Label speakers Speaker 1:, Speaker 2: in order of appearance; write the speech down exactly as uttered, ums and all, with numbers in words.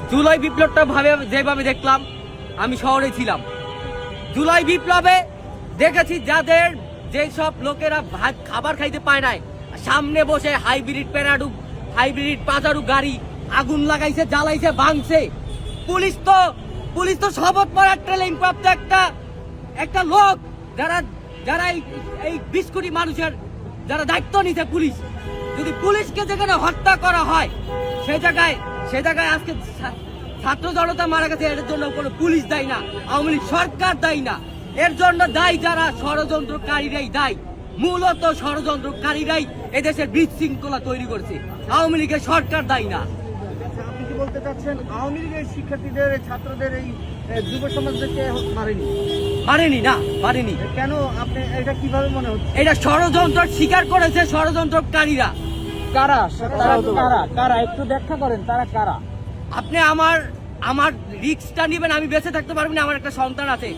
Speaker 1: জুলাই বিপ্লবটা ভাবে যেভাবে দেখলাম, আমি শহরে ছিলাম, জুলাই বিপ্লবে দেখেছি যাদের যেসব লোকেরা ভাত খাবার খাইতে পায় নাই, সামনে বসে হাইব্রিড প্যারাডু হাইব্রিড পাজারু গাড়ি আগুন লাগাইছে, জ্বালাইছে, ভাঙছে। পুলিশ তো পুলিশ তো শপথ পড়ার ট্রেনিং প্রাপ্ত একটা একটা লোক, যারা যারা এই এই বিশ কোটি মানুষের যারা দায়িত্ব নিছে পুলিশ, যদি পুলিশকে যেখানে হত্যা করা হয় সেই জায়গায় সে জায়গায় আজকে ছা- ছাত্র জনতা মারা গেছে, এর জন্য কোনো পুলিশ দায়ী না, আওয়ামী লীগ সরকার দায়ী না, এর জন্য দায়ী যারা ষড়যন্ত্রকারীরাই দায়ী। মূলত ষড়যন্ত্রকারীরাই এদেশের বিশৃঙ্খলা তৈরি করছে, আওয়ামী লীগের সরকার দায়ী না।
Speaker 2: আপনি কি বলতে চাচ্ছেন আওয়ামী লীগের শিক্ষার্থীদের এই ছাত্রদের এই এ, যুব সমাজদেরকে মারেনি?
Speaker 1: পারেনি না, পারেনি।
Speaker 2: কেন আপনি এটা কিভাবে মনে হচ্ছে?
Speaker 1: এটা ষড়যন্ত্র স্বীকার করেছে ষড়যন্ত্রকারীরা।
Speaker 2: কারা তারা কারা কারা একটু ব্যাখ্যা করেন, তারা কারা?
Speaker 1: আপনি আমার আমার রিস্কটা নেবেন, আমি বেঁচে থাকতে পারবো না, আমার একটা সন্তান আছে।